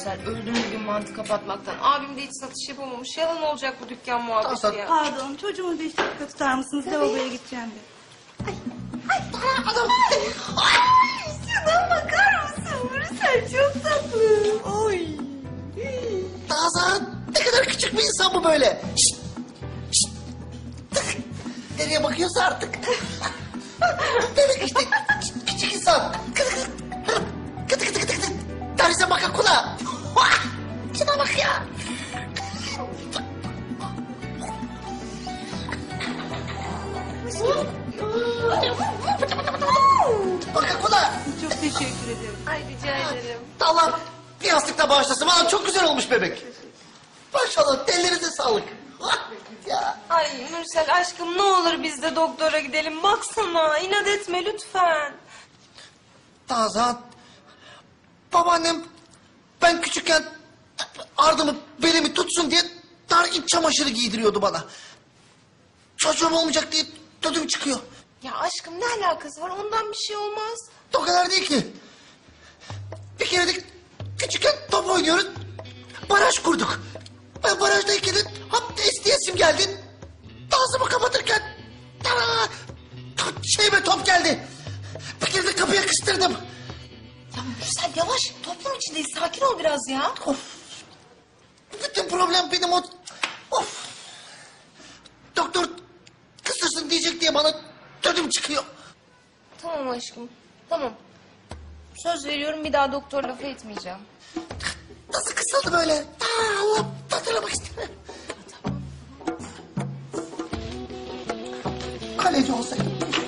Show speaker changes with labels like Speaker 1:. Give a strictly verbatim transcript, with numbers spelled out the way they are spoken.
Speaker 1: Mürsel. Öldüm bugün mantı kapatmaktan. Abim de hiç satış yapamamış. Yalan olacak bu dükkan muhabbeti ya.
Speaker 2: Pardon, çocuğumu bir dakika tutar mısınız? Lavaboya gideceğim de.
Speaker 3: Adam.
Speaker 2: Ay, şuna bakar mısın? Mürsel çok tatlı. Oy.
Speaker 3: Nazan ne kadar küçük bir insan bu böyle. Şşt, şşt. Nereye bakıyorsa artık. Demek işte küçük, küçük insan. Kıtı kıtı kıtı kıtı kıtı kıtı. Darize makakula. Şuna bak ya. Makakula.
Speaker 2: Çok teşekkür ederim.
Speaker 1: Ay rica ederim.
Speaker 3: Allah bir yastıkla bağışlasın. Valla çok güzel olmuş bebek. Maşallah ellerinize sağlık. Ya.
Speaker 1: Ay Mürsel aşkım ne olur biz de doktora gidelim. Baksana inat etme lütfen.
Speaker 3: Nazan. Babaannem ben küçükken ardımı belimi tutsun diye dar iç çamaşırı giydiriyordu bana. Çocuğum olmayacak diye ödüm çıkıyor.
Speaker 1: Ya aşkım ne alakası var? Ondan bir şey olmaz.
Speaker 3: O kadar değil ki. Bir kere de küçükken top oynuyoruz. Baraj kurduk. Ben barajdayken de hop isteyesim geldi. Ağzımı kapatırken tara, şeyime top geldi. Bir kere de kapıya kıstırdım.
Speaker 1: Ya Mürsel yavaş. Toplum içindeyiz. Sakin ol biraz ya.
Speaker 3: Of. Bütün problem benim o... Of. Doktor kısırsın diyecek diye bana ödüm çıkıyor.
Speaker 1: Tamam aşkım. Tamam. Söz veriyorum bir daha doktor lafı etmeyeceğim.
Speaker 3: Nasıl kısıldı böyle? Aa, Allah hatırlamak istemiyorum. Kaleci olsaydım.